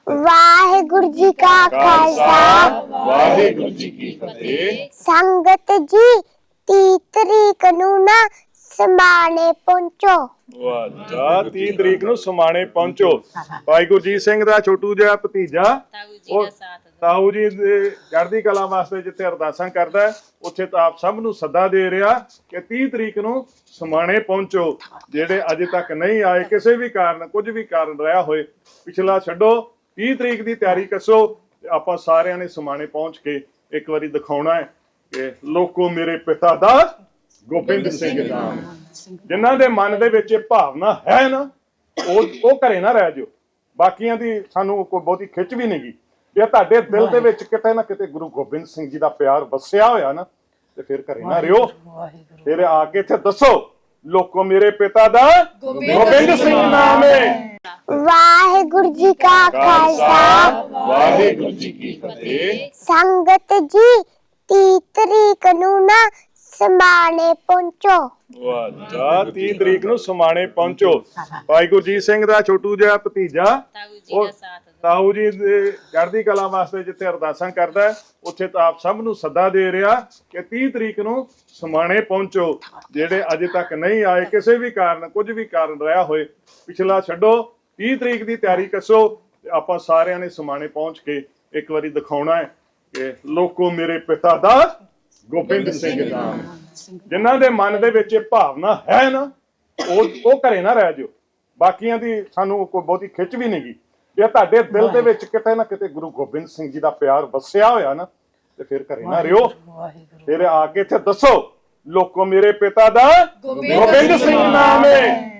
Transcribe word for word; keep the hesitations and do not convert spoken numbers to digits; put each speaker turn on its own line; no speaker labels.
ਵਾਹਿਗੁਰੂ ਜੀ ਕਾ ਖਾਲਸਾ
ਵਾਹਿਗੁਰੂ ਜੀ ਕੀ ਫਤਿਹ।
ਸੰਗਤ ਜੀ ਤੀਹ ਤਰੀਕ ਨੂੰ ਨਾ ਸਮਾਣੇ ਪਹੁੰਚੋ।
ਵਾਹ ਜੀ, ਤੀਹ ਤਰੀਕ ਨੂੰ ਸਮਾਣੇ ਪਹੁੰਚੋ। ਭਾਈ ਗੁਰਜੀਤ ਸਿੰਘ ਦਾ ਛੋਟੂ ਜਿਹਾ ਭਤੀਜਾ ਉਹ ਤਾਊ ਜੀ ਦੇ ਚੜ੍ਹਦੀ ਕਲਾ ਵਾਸਤੇ ਜਿੱਥੇ ਅਰਦਾਸਾਂ ਕਰਦਾ ਉੱਥੇ ਤਾਂ ਆਪ ਸਭ ਨੂੰ ਸੱਦਾ ਦੇ ਰਿਹਾ ਕਿ ਤੀਹ ਤਰੀਕ ਨੂੰ ਸਮਾਣੇ ਪਹੁੰਚੋ। ਜਿਹੜੇ ਅਜੇ ਤੱਕ ਨਹੀਂ ਆਏ, ਕਿਸੇ ਵੀ ਕਾਰਨ ਕੁਝ ਵੀ ਕਾਰਨ ਰਿਹਾ ਹੋਏ, ਪਿਛਲਾ ਛੱਡੋ, ਤੀਹ ਤਰੀਕ ਦੀ ਤਿਆਰੀ ਕੱਸੋ। ਆਪਾਂ ਸਾਰਿਆਂ ਨੇ ਸਮਾਣੇ ਪਹੁੰਚ ਕੇ ਇੱਕ ਵਾਰੀ ਦਿਖਾਉਣਾ ਹੈ ਕਿ ਲੋਕੋ ਮੇਰੇ ਪਿਤਾ ਦਾ ਗੋਬਿੰਦ ਸਿੰਘ ਨਾਮ। ਜਿਨ੍ਹਾਂ ਦੇ ਮਨ ਦੇ ਵਿੱਚ ਇਹ ਭਾਵਨਾ ਹੈ ਨਾ, ਉਹ ਉਹ ਘਰੇ ਨਾ ਰਹਿ ਜਾਓ। ਬਾਕੀਆਂ ਦੀ ਸਾਨੂੰ ਕੋਈ ਬਹੁਤੀ ਖਿੱਚ ਵੀ ਨਹੀਂਗੀ। ਜੇ ਤੁਹਾਡੇ ਦਿਲ ਦੇ ਵਿੱਚ ਕਿਤੇ ਨਾ ਕਿਤੇ ਗੁਰੂ ਗੋਬਿੰਦ ਸਿੰਘ ਜੀ ਦਾ ਪਿਆਰ ਵਸਿਆ ਹੋਇਆ ਨਾ, ਤੇ ਫਿਰ ਘਰੇ ਨਾ ਰਿਓ। ਫਿਰ ਆ ਕੇ ਇੱਥੇ ਦੱਸੋ ਲੋਕੋ ਮੇਰੇ ਪਿਤਾ ਦਾ ਗੋਬਿੰਦ ਸਿੰਘ ਨਾਮ ਹੈ।
ਵਾਹਿਗੁਰੂ ਜੀ ਕਾ ਖਾਲਸਾ
ਵਾਹਿਗੁਰੂ ਜੀ ਕੀ ਫਤਿਹ।
ਸੰਗਤ ਜੀ ਤੀਹ ਤਰੀਕ ਨੂੰ ਨਾ ਸਮਾਣੇ ਪਹੁੰਚੋ।
ਵਾਹ ਜੀ, ਤੀਹ ਤਰੀਕ ਨੂੰ ਸਮਾਣੇ ਪਹੁੰਚੋ। ਭਾਈ ਗੁਰਜੀਤ ਸਿੰਘ ਦਾ ਛੋਟੂ ਜਿਹਾ ਭਤੀਜਾ ਉਹ ਤਾਊ ਜੀ ਦੇ ਚੜ੍ਹਦੀ ਕਲਾ ਵਾਸਤੇ ਜਿੱਥੇ ਅਰਦਾਸਾਂ ਕਰਦਾ ਉੱਥੇ ਤਾਂ ਆਪ ਸਭ ਨੂੰ ਸੱਦਾ ਦੇ ਰਿਹਾ ਕਿ ਤੀਹ ਤਰੀਕ ਨੂੰ ਸਮਾਣੇ ਪਹੁੰਚੋ। ਜਿਹੜੇ ਅਜੇ ਤੱਕ ਨਹੀਂ ਆਏ, ਕਿਸੇ ਵੀ ਕਾਰਨ ਕੁਝ ਵੀ ਕਾਰਨ ਰਿਹਾ ਹੋਏ, ਪਿਛਲਾ ਛੱਡੋ, ਤੀਹ ਤਰੀਕ ਦੀ ਤਿਆਰੀ ਕੱਸੋ। ਆਪਾਂ ਸਾਰਿਆਂ ਨੇ ਸਮਾਣੇ ਪਹੁੰਚ ਕੇ ਇੱਕ ਵਾਰੀ ਦਿਖਾਉਣਾ ਹੈ ਕਿ ਲੋਕੋ ਮੇਰੇ ਪਿਤਾ ਦਾ ਗੋਬਿੰਦ ਸਿੰਘ ਨਾਮ। ਜਿਨ੍ਹਾਂ ਦੇ ਮਨ ਦੇ ਵਿੱਚ ਇਹ ਭਾਵਨਾ ਹੈ ਨਾ, ਉਹ ਉਹ ਘਰੇ ਨਾ ਰਹਿ ਜਾਓ। ਬਾਕੀਆਂ ਦੀ ਸਾਨੂੰ ਕੋਈ ਬਹੁਤੀ ਖਿੱਚ ਵੀ ਨਹੀਂਗੀ। ਜੇ ਤੁਹਾਡੇ ਦਿਲ ਦੇ ਵਿੱਚ ਕਿਤੇ ਨਾ ਕਿਤੇ ਗੁਰੂ ਗੋਬਿੰਦ ਸਿੰਘ ਜੀ ਦਾ ਪਿਆਰ ਵਸਿਆ ਹੋਇਆ ਨਾ, ਤੇ ਫਿਰ ਘਰੇ ਨਾ ਰਿਓ। ਫਿਰ ਆ ਕੇ ਇੱਥੇ ਦੱਸੋ ਲੋਕੋ ਮੇਰੇ ਪਿਤਾ ਦਾ ਗੋਬਿੰਦ ਸਿੰਘ ਨਾਮ ਹੈ।